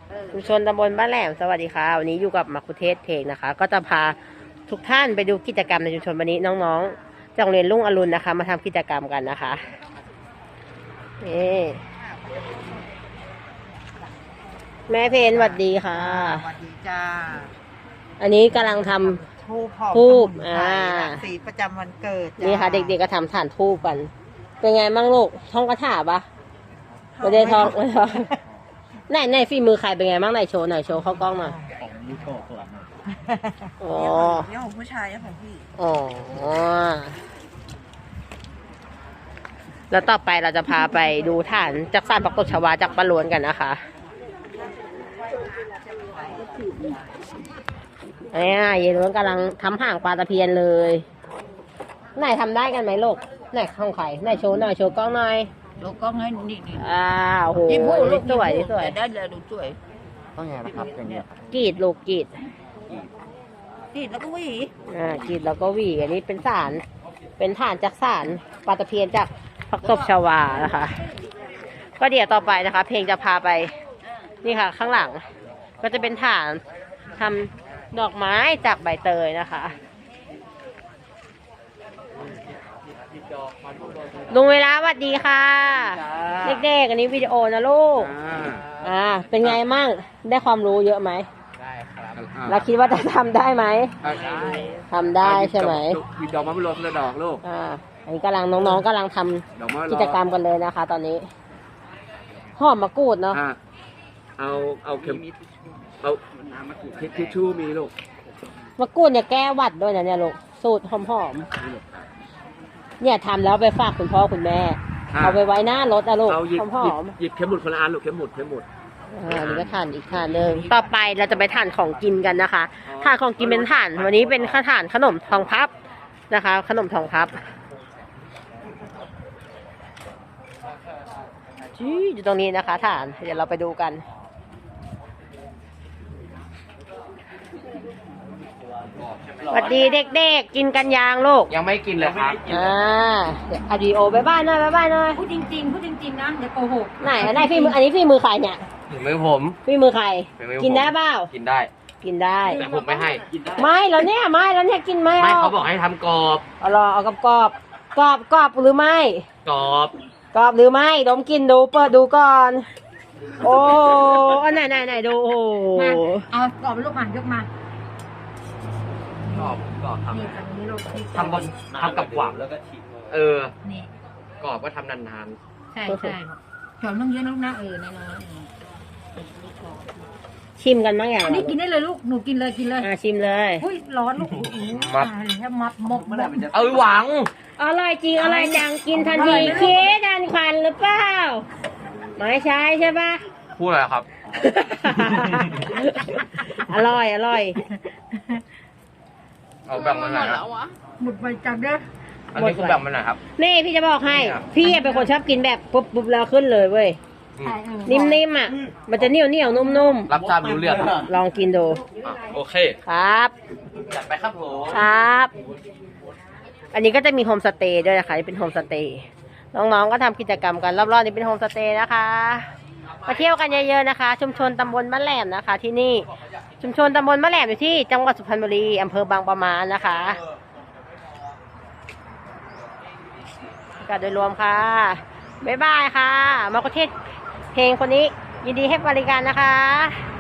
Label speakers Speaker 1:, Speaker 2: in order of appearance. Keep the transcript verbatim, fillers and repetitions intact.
Speaker 1: ชุมชนตำบลบ้านแหลมสวัสดีค่ะวันนี้อยู่กับมัคคุเทศก์เพลงนะคะ ก็จะพาทุกท่านไปดูกิจกรรมในชุมชนวันนี้น้องๆจากโรงเรียนรุ่งอรุณนะคะ มาทำกิจกรรมกันนะคะนี่แม่เพนสวัสดีค่ะ
Speaker 2: สวัสดีจ้า
Speaker 1: อันนี้กำลังทำ
Speaker 2: ทูบหอม
Speaker 1: ทูบ
Speaker 2: อ่าสีประจำวันเกิด
Speaker 1: นี่ค่ะ เด็กๆก็ทำฐานทูบกัน เป็นไงมั่งลูกท่องกระถาปะไม่ได้ท่องไม่ท่องไหนไหนฝีมือใครเป็นไงบ้างไหนโชว์หน่อยโชว์เข้ากล้องหน่อย
Speaker 3: ของยูโชว์ตัวนึง
Speaker 1: อ๋อ
Speaker 2: นี่ของผู้ชายนี่ของพี่
Speaker 1: อ๋อแล้วต่อไปเราจะพาไปดูฐานจักสานปักตบชวาจากปะลวนกันนะคะเนี่ยเยลวนกำลังทำห่างปลาตะเพียนเลยไหนทำได้กันไหมลูกไหนของใครไหนโชว์หน่อยโชว์กล้องหน่อย
Speaker 2: ลูกกล้องให้นี่นี่
Speaker 1: อ้าวโหนี่สวยนี่สวย
Speaker 2: ได้เลยดูสวย
Speaker 3: ต้องไงนะครับอย่างเงี้ย
Speaker 1: กรีดลูกกรีด
Speaker 2: กรีดแล้วก็หวี
Speaker 1: อ่ากรีดแล้วก็หวีอันนี้เป็นสารเป็นฐานจากสารปลาตะเพียนจากปักตบชวานะคะก็เดี๋ยวต่อไปนะคะ เพลงจะพาไปนี่ค่ะข้างหลังก็จะเป็นฐานทำดอกไม้จากใบเตยนะคะลุงเวลาสวัสดีค่ะเด็กๆอันนี้วิดีโอนะลูกอ่าเป็นไงมั่งได้ความรู้เยอะไหม
Speaker 3: ได้ครับ
Speaker 1: เราคิดว่าจะทำได้ไหม
Speaker 3: ได้
Speaker 1: ทำได้ใช่ไหม
Speaker 3: มีดอกมะม่วงและดอกลูก
Speaker 1: อ่าอันนี้กำลังน้องๆกำลังทำกิจกรรมกันเลยนะคะ ตอนนี้หอมมะกรูดเนาะ
Speaker 3: เอาเอาเข็มเอาทิชชู่มีลูก
Speaker 1: มะกรูดเนี่ยแก้หวัดด้วยนะเนี่ยลูกสูตรหอมๆเนี่ยทำแล้วไปฝากคุณพ่อคุณแม่เอาไปไว้หน้ารถนะลูกหอม
Speaker 3: ๆหยิบเข็มหมุดคนละอันลูกเข็มหมุดเข็มหมุด
Speaker 1: อ่านี่ก็ทานอีกทานหนึ่งต่อไปเราจะไปทานของกินกันนะคะทานของกินเป็นทานวันนี้เป็นข้าวทานขนมทองพับนะคะ ขนมทองพับชี้อยู่ตรงนี้นะคะทานเดี๋ยวเราไปดูกันสวัสดีเด็กๆกินกันยางลูก
Speaker 3: ยังไม่กินเลยครับ
Speaker 1: อ่าอดีโอบายบายหน่อยบายบายหน่อย
Speaker 2: พูดจริงๆพูดจริงๆนะเดี๋ยวโกหก
Speaker 1: ไหนไหนพี่มืออันนี้พี่มือใครเนี่ย
Speaker 3: มือผม
Speaker 1: พี่มือใครกินได้เปล่า
Speaker 3: กินได้
Speaker 1: กินได้
Speaker 3: แต่ผมไม่ให้
Speaker 1: ไม่แล้วเนี่ยไม่แล้วเนี่ยกินไม่
Speaker 3: ไม่เขาบอกให้ทำกรอบ
Speaker 1: เอารอเอากับกรอบกรอบกรอบหรือไม่
Speaker 3: กรอบ
Speaker 1: กรอบหรือไม่ดมกินดูเปิดดูก่อนโอ้ไหนไหนไหนดูโอ้
Speaker 2: เอากรอบลูกมายกมาก
Speaker 3: รอบกรอบทำทำบนทำกับหวานแล้วก็ฉีกเออนี่กรอบก็ทำนาน
Speaker 2: ๆใช่ใช่หอมต้องเยอะนะลูกนะเออน้อย
Speaker 1: ๆชิมกันบ้างอย่าง
Speaker 2: อันนี้กินได้เลยลูกหนูกินเลยกินเลย
Speaker 1: อ่าชิมเลย
Speaker 2: อุ้ยร้อนลูกมัดแล้วมัดมกมา
Speaker 3: เออหวัง
Speaker 1: อร่อยจริงอร่อยจังกินทันทีเค้ดันควันหรือเปล่าไม่ใช่ใช่ปะ
Speaker 3: พูดอะไรครับ
Speaker 1: อร่อยอร่อย
Speaker 3: เอาแบ่งมาหน่อย
Speaker 2: หมดไปจังเด้อ
Speaker 3: อันนี้คือแบ่งมาหน่อยครับ
Speaker 1: นี่พี่จะบอกให้พี่เป็นคนชอบกินแบบปุ๊บปุ๊บแล้วขึ้นเลยเว้ยนิ่มๆอ่ะมันจะเหนียวเหนียวนุ่ม
Speaker 3: ๆรับทราบรู้เรื่อง
Speaker 1: ลองกินดู
Speaker 3: โอเค
Speaker 1: ครับ
Speaker 3: จัดไปครับผม
Speaker 1: ครับอันนี้ก็จะมีโฮมสเตย์ด้วยนะคะนี่เป็นโฮมสเตย์น้องๆก็ทำกิจกรรมกันรอบๆนี้เป็นโฮมสเตย์นะคะมาเที่ยวกันเยอะๆนะคะชุมชนตำบลบ้านแหลมนะคะที่นี่ชุมชนตำบลบ้านแหลมอยู่ที่จังหวัดสุพรรณบุรีอำเภอบางปะมานะคะกันโดยรวมค่ะบ๊ายบายค่ะมาประเทศเพลงคนนี้ยินดีให้บริการนะคะ